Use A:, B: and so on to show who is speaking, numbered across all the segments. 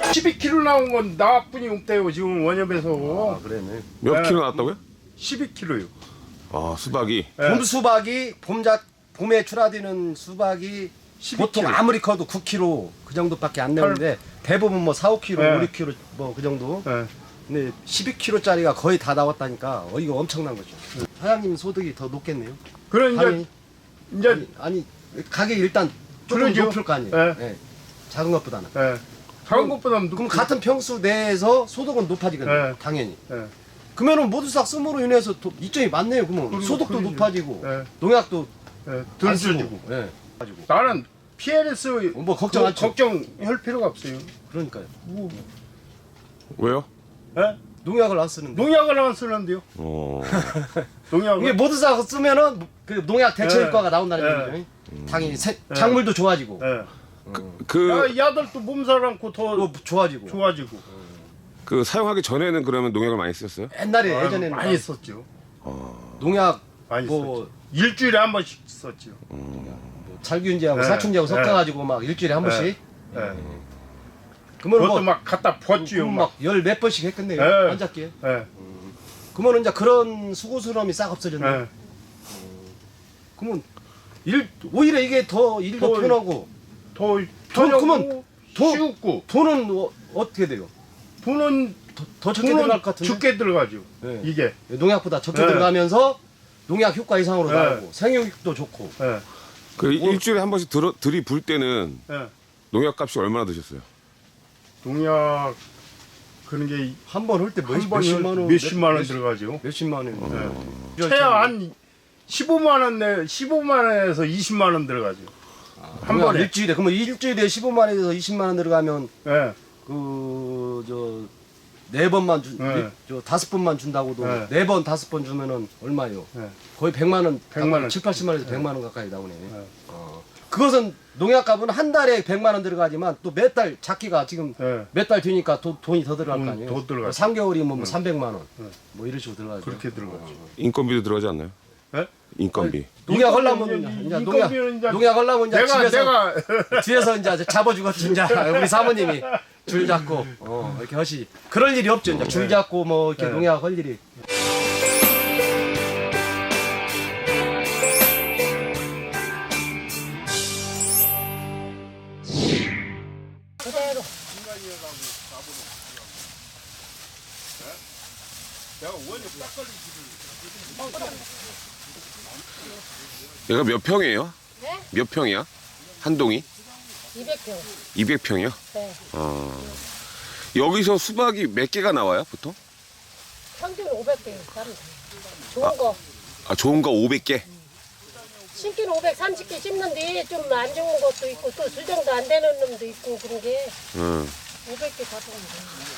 A: 12kg 나온 건 나뿐이 없대요 지금 원협에서.
B: 아, 그래네.
C: 몇
A: 네.
C: 킬로 나왔다고요?
A: 12kg요.
C: 아, 수박이.
A: 네.
B: 봄 수박이 봄에 출하되는 수박이
A: 12kg.
B: 보통 아무리 커도 9kg 그 정도밖에 안 내는데 대부분 뭐 4, 5kg,
A: 네.
B: 5, 6kg 뭐 그 정도.
A: 네.
B: 근데 12kg짜리가 거의 다 나왔다니까 이거 엄청난 거죠. 사장님 소득이 더 높겠네요.
A: 그런 이제
B: 당연히.
A: 이제
B: 아니 가격이 일단 조금
A: 그러죠.
B: 높을 거 아니에요.
A: 네.
B: 네. 작은 것보다는.
A: 예. 작은 것보다
B: 그럼 같은 평수 내에서 소득은 높아지거든요.
A: 네.
B: 당연히.
A: 예.
B: 그러면은 모두싹 씀으로 인해서 이점이 많네요. 그러면
A: 그리고
B: 소득도
A: 그러죠.
B: 높아지고
A: 네.
B: 농약도
A: 예. 덜
B: 안 쓰고.
A: 주고.
B: 예.
A: 나는 PLS
B: 뭐 걱정 안 쳐.
A: 걱정할 필요가 없어요.
B: 그러니까요.
A: 뭐,
C: 왜요?
A: 예?
B: 농약을 안 쓰는데.
A: 농약을 안 쓰는데요.
C: 어.
A: 농약을.
B: 이게 모두싹 쓰면은 그 농약 대처
A: 네.
B: 효과가 나온다는
A: 네.
B: 얘기죠. 당연히 작물도 좋아지고
A: 예.
C: 그,
A: 야들도 몸살 않고 더
B: 또 좋아지고.
A: 좋아지고.
C: 그 사용하기 전에는 그러면 농약을 많이 쓰셨어요?
B: 옛날에
A: 아유,
B: 예전에는
A: 많이 썼죠.
B: 농약
A: 많이
B: 뭐
A: 썼죠. 일주일에 한 번씩 썼죠.
B: 살균제하고
A: 네.
B: 사충제하고
A: 네.
B: 섞어가지고 막 일주일에 한 번씩.
A: 예.
B: 그러면
A: 그것도
B: 뭐
A: 막 갖다 부었지요. 막.
B: 막 몇 번씩 했겠네요.
A: 네.
B: 안 잡기에.
A: 예.
B: 그러면 이제 그런 수고스러움이 싹 없어졌네.
A: 예.
B: 그러면 오히려 이게 더 일도
A: 더
B: 편하고
A: 더
B: 그러면
A: 편하고
B: 더-
A: 쉬웠고
B: 돈은 어떻게 돼요?
A: 돈은
B: 더 적게 들어갈 것 같은데.
A: 죽게 들어가죠.
B: 네.
A: 이게.
B: 농약보다 적게
A: 네.
B: 들어가면서 농약 효과 이상으로
A: 네.
B: 나오고 생육도 좋고.
A: 예.
C: 그 일주일에 한 번씩 들이불 때는
A: 예.
C: 농약 값이 얼마나 드셨어요?
A: 농약 그런 게
B: 한 번 할 때
A: 한 번에
B: 몇십만 원,
A: 몇십만 원 들어가죠.
B: 몇십만 원.
A: 최하 한 15만 원 내 15만 원에서 20만 원 들어가죠. 한 번에.
B: 일주일에 그러면 일주일에 15만 원에서 20만 원 들어가면
A: 예.
B: 그 저 네 번만
A: 네.
B: 저 다섯 번만 준다고도
A: 네.
B: 네 번 다섯 번 주면은 얼마요?
A: 예.
B: 거의 100만 원,
A: 100만 원.
B: 7, 80만 원에서 100만 원 가까이 나오네. 그것은 농약값은 한 달에 100만 원 들어가지만 또 몇 달 작기가 지금
A: 예.
B: 몇 달 뒤니까 돈이 더 들어갈 거 아니에요.
A: 더 들어가죠.
B: 3개월이면 뭐 300만 원. 뭐 이런 식으로 들어가죠.
A: 그렇게 들어가죠.
C: 인건비도 들어가지 않나요?
A: 예?
C: 인건비.
B: 농약 하려면
A: 인건비는
B: 이제 농약 하려면 이제
A: 내가
B: 집에서
A: 내가
B: 뒤에서 이제 잡아주겠지 이제 우리 사모님이 줄 잡고 이렇게 하시. 그럴 일이 없죠. 이제 줄 잡고 뭐 이렇게
A: 네.
B: 농약 할 일이.
D: 그대로.
C: 얘가 몇 평이에요?
D: 네?
C: 몇 평이야? 한 동이?
D: 200평.
C: 200평이요?
D: 네.
C: 여기서 수박이 몇 개가 나와요, 보통?
D: 평균 500개. 좋은 거.
C: 아, 좋은 거 500개?
D: 신기는 530개 씹는데 좀 안 좋은 것도 있고 또 수정도 안 되는 놈도 있고 그런 게
C: 응.
D: 500개 다 좋은 거.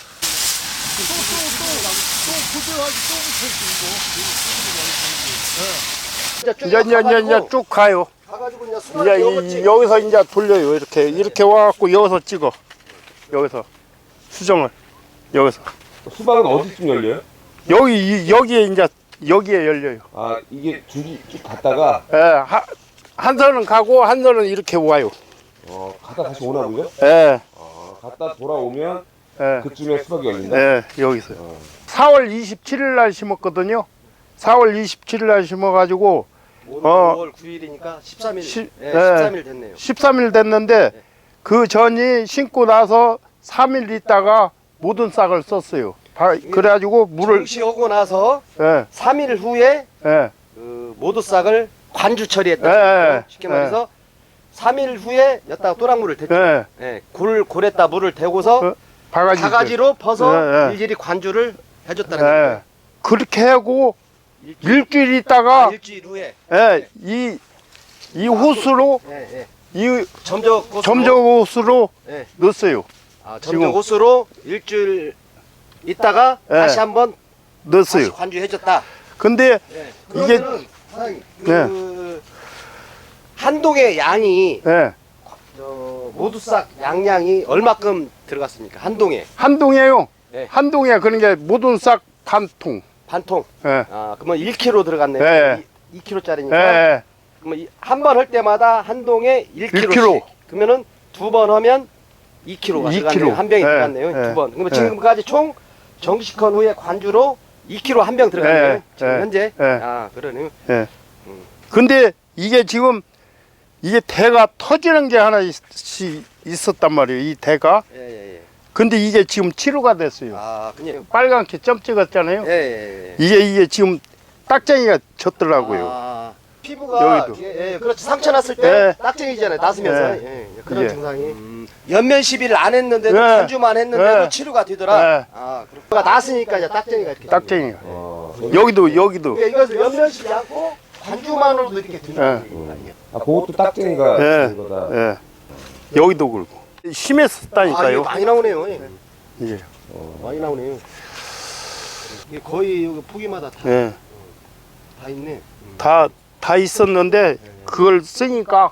A: 이제 쭉 가요.
B: 가가지고 이제
A: 이제 여기서 이제 돌려요. 이렇게 와갖고 여기서 찍어. 여기서 수정을 여기서
C: 수박은 어디쯤 열려요?
A: 여기에 이제 여기에 열려요.
C: 아, 이게 줄이 쭉 갔다가
A: 예, 한 선은 가고 한 선은 이렇게 와요.
C: 갔다 다시 오나고요?
A: 예,
C: 갔다 돌아오면
A: 예,
C: 그쯤에 수박이 열린다?
A: 예, 여기서요. 4월 27일 날 심었거든요. 4월 27일 날 심어가지고
B: 오늘 5월 9일이니까 13일. 네, 13일 됐네요.
A: 13일 됐는데 그 전이 심고 나서 3일 있다가 모든 싹을 썼어요. 그래가지고 물을
B: 정시하고 나서
A: 예,
B: 3일 후에
A: 예,
B: 그 모두 싹을 관주 처리했다.
A: 예,
B: 쉽게 말해서 3일 후에 여기다가 또랑물을 대죠.
A: 예,
B: 예, 골에다 물을 대고서
A: 바가지
B: 바가지로 퍼서
A: 예, 예.
B: 일일이 관주를 해줬다는
A: 예.
B: 거예요.
A: 그렇게 하고 일주일 있다가
B: 일주일 후에
A: 예, 이 호수로
B: 예, 예.
A: 이
B: 점적
A: 점적호수로
B: 예.
A: 넣었어요.
B: 점적 호수로 일주일 있다가
A: 예.
B: 다시 한번 다시
A: 넣었어요.
B: 관주해줬다.
A: 근데
B: 예.
A: 이게-
B: 그러면은 사장님, 그 한동의 양이
A: 예,
B: 모두 싹 양량이 얼마큼 들어갔습니까? 한동에
A: 한 동이에요.
B: 네.
A: 한 동에 그런 게 모든 싹 반통.
B: 반통.
A: 예,
B: 아 그러면 1kg 들어갔네요.
A: 예.
B: 2kg짜리니까.
A: 예,
B: 그러면 한 번 할 때마다 한 동에 1kg씩.
A: 1kg.
B: 그러면은 두 번 하면 2kg가
A: 2kg.
B: 들어갔네요. 한 병이
A: 예,
B: 들어갔네요.
A: 예,
B: 두 번. 그러면
A: 예.
B: 지금까지 총 정식헌 후에 관주로 2kg 한 병 들어갔네요.
A: 예,
B: 지금
A: 예,
B: 현재.
A: 예.
B: 아, 그러네요.
A: 근데 이게 지금 이게 대가 터지는 게 하나 있었단 말이에요. 이 대가.
B: 예, 예, 예.
A: 근데 이게 지금 치료가 됐어요.
B: 아, 그냥.
A: 빨갛게 점 찍었잖아요.
B: 예, 예, 예.
A: 이게 지금 딱쟁이가 졌더라고요.
B: 아, 피부가
A: 여기도.
B: 예, 그렇지. 상처 났을 때
A: 예.
B: 딱쟁이잖아요. 났으면서.
A: 예.
B: 예, 예, 그런
A: 예.
B: 증상이. 연면 시비를 안 했는데도
A: 예.
B: 관주만 했는데도
A: 예.
B: 치료가 되더라.
A: 예.
B: 아, 그렇구나. 났으니까 이제 딱쟁이가 이렇게.
A: 딱쟁이가.
C: 어,
A: 여기도.
B: 그러니까 이것을 연면 시비 않고 관주만으로도 이렇게 되는
A: 예.
B: 거예요.
C: 아, 그것도 딱쟁이가
A: 예.
C: 된 거다.
A: 예. 여기도 그렇고.
B: 아, 이게
A: 심했었다니까요.
B: 많이 나오네요. 예.
A: 이게.
B: 많이 나오네요. 이게 거의 여기 포기마다 다,
A: 예.
B: 다 있네.
A: 다 있었는데 그걸 쓰니까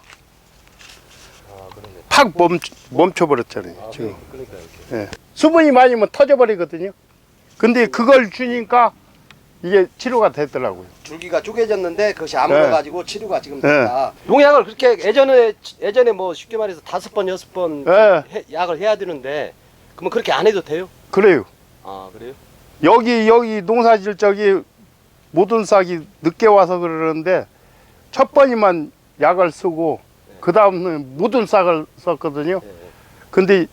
B: 아, 그러네.
A: 팍 멈춰버렸잖아요.
B: 아,
A: 지금.
B: 그러니까 이렇게.
A: 예. 수분이 많으면 터져버리거든요. 근데 그걸 주니까 이게 치료가 되더라고요.
B: 줄기가 쪼개졌는데 그것이 안
A: 네.
B: 물어가지고 치료가 지금
A: 네.
B: 됐다. 농약을 그렇게 예전에 뭐 쉽게 말해서 5번 6번
A: 네.
B: 약을 해야 되는데 그러면 그렇게 안 해도 돼요?
A: 그래요.
B: 아, 그래요?
A: 여기 농사질 적이 모든 싹이 늦게 와서 그러는데 첫 번이만 약을 쓰고 그 다음은 모든 싹을 썼거든요.
B: 예.
A: 근데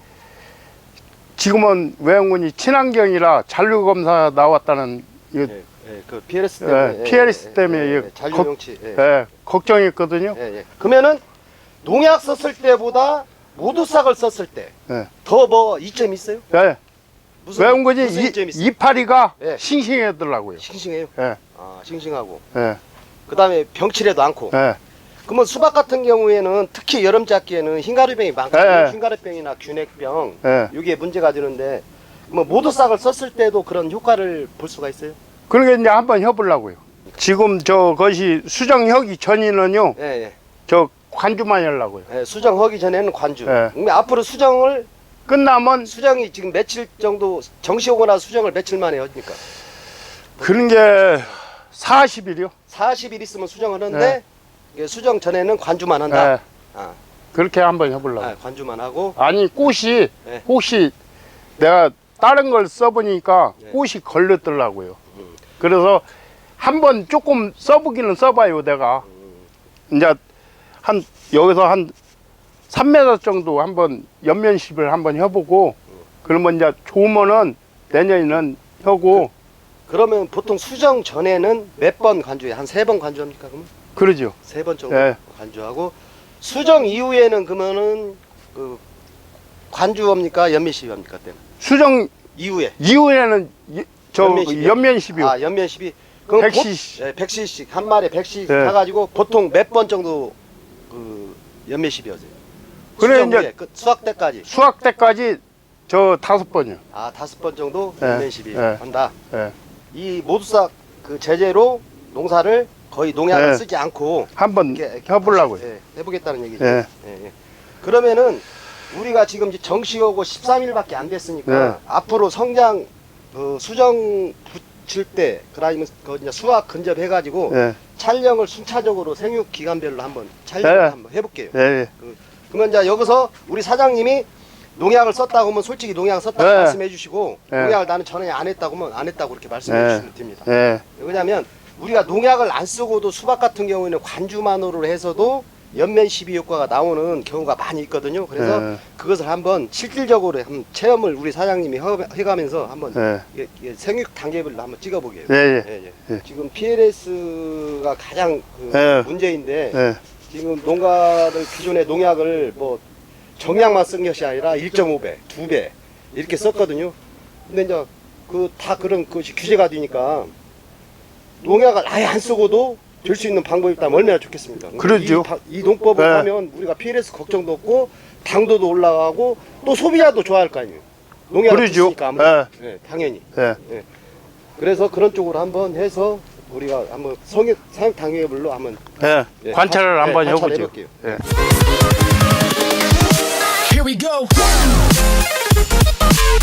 A: 지금은 외형군이 친환경이라 잔류 검사 나왔다는 이거,
B: 예. 예. 그 PLS 때문에.
A: 예, PLS 때문에 이게
B: 잔류용치. 예.
A: 예, 걱정했거든요.
B: 예, 예. 그러면은 농약 썼을 때보다 모두싹을 썼을 때
A: 예.
B: 더 뭐 이점이 있어요?
A: 예. 외형군이
B: 무슨 이점이 있어요?
A: 이파리가
B: 예.
A: 싱싱하더라고요.
B: 싱싱해요.
A: 예,
B: 아, 싱싱하고.
A: 예,
B: 그다음에 병치레도 않고.
A: 예.
B: 그러면 수박 같은 경우에는 특히 여름 작기에는 흰가루병이 많거든요.
A: 예.
B: 흰가루병이나 균핵병
A: 예.
B: 이게 문제가 되는데 뭐 모두싹을 썼을 때도 그런 효과를 볼 수가 있어요.
A: 그러니까 이제 한번 해보려고요. 지금 것이 수정하기 전에는요,
B: 예, 예.
A: 저 관주만 하려고요.
B: 예, 수정하기 전에는 관주.
A: 예.
B: 그럼 앞으로 수정을
A: 끝나면
B: 수정이 지금 며칠 정도 정시오고 나서 수정을 며칠 만에 합니까?
A: 그런 게 40일이요.
B: 40일 있으면 수정하는데 이게 수정 전에는 관주만 한다.
A: 예.
B: 아,
A: 그렇게 한번 해보려고.
B: 아, 관주만 하고.
A: 아니 꽃이
B: 네.
A: 혹시 내가 다른 걸 써보니까
B: 네.
A: 꽃이 걸렸더라고요. 그래서 한번 조금 써보기는 써봐요 내가. 이제 여기서 한 3m 정도 한번 연면십을 한번 해보고 그러면 이제 좋으면은 내년에는 하고
B: 그러면 보통 수정 전에는 몇 번 관주해요? 한 3번 관주합니까? 그러면?
A: 그러죠.
B: 3번 정도
A: 예.
B: 관주하고 수정 이후에는 그러면은 그 관주합니까? 연면십합니까? 때는
A: 수정
B: 이후에
A: 이후에는
B: 연면십이요?
A: 연면십이요.
B: 아, 연면십이 그럼
A: 100cc.
B: 예, 100cc 한 마리에 100cc
A: 예.
B: 사가지고 보통 몇 번 정도 그 연면십이었어요?
A: 그래,
B: 수정
A: 이제
B: 후에, 그 수확 때까지
A: 수확 때까지 저 5번이요.
B: 아 5번 정도
A: 예.
B: 연면십이
A: 예.
B: 한다.
A: 예.
B: 이 모두싹 그 제재로 농사를 거의 농약을
A: 예.
B: 쓰지 않고
A: 한번
B: 이렇게
A: 해보려고요.
B: 예, 해보겠다는 얘기죠.
A: 예.
B: 예, 예. 그러면은 우리가 지금 이제 정시하고 13일밖에 안 됐으니까
A: 예.
B: 앞으로 성장 수정 붙일 때 그다음에 그 이제 수확 근접해가지고
A: 예.
B: 촬영을 순차적으로 생육 기간별로 한번 촬영을
A: 예.
B: 한번 해볼게요.
A: 예.
B: 그러면 이제 여기서 우리 사장님이 농약을 썼다고 하면 솔직히 농약을 썼다고
A: 네.
B: 말씀해 주시고
A: 네.
B: 농약을 나는 전에 안 했다고 하면 안 했다고 그렇게 말씀해
A: 네.
B: 주시면 됩니다.
A: 예.
B: 왜냐하면 우리가 농약을 안 쓰고도 수박 같은 경우에는 관주만으로 해서도 연면 시비 효과가 나오는 경우가 많이 있거든요. 그래서
A: 예.
B: 그것을 한번 실질적으로 한번 체험을 우리 사장님이 해가면서 한번
A: 예.
B: 이게 생육 단계별로 한번 찍어보게요.
A: 예. 예.
B: 예, 예.
A: 예.
B: 지금 PLS가 가장 그
A: 예.
B: 문제인데
A: 예.
B: 지금 농가들 기존의 농약을 뭐 정량만 쓴 것이 아니라 1.5배, 2배 이렇게 썼거든요. 근데 이제 그 다 그런 것이 규제가 되니까 농약을 아예 안 쓰고도 될 수 있는 방법이 있다면 얼마나 좋겠습니까?
A: 그러죠.
B: 이 농법을
A: 네.
B: 하면 우리가 PLS 걱정도 없고 당도도 올라가고 또 소비자도 좋아할 거 아니에요. 농약을
A: 그러죠.
B: 쓰니까 아무래도. 예, 당연히.
A: 예.
B: 그래서 그런 쪽으로 한번 해서 우리가 한번 사육 단계별로 한번
A: 예.
B: 예,
A: 관찰을 한번 해보죠.
B: 관찰해볼게요.
A: 예.
E: Here we go.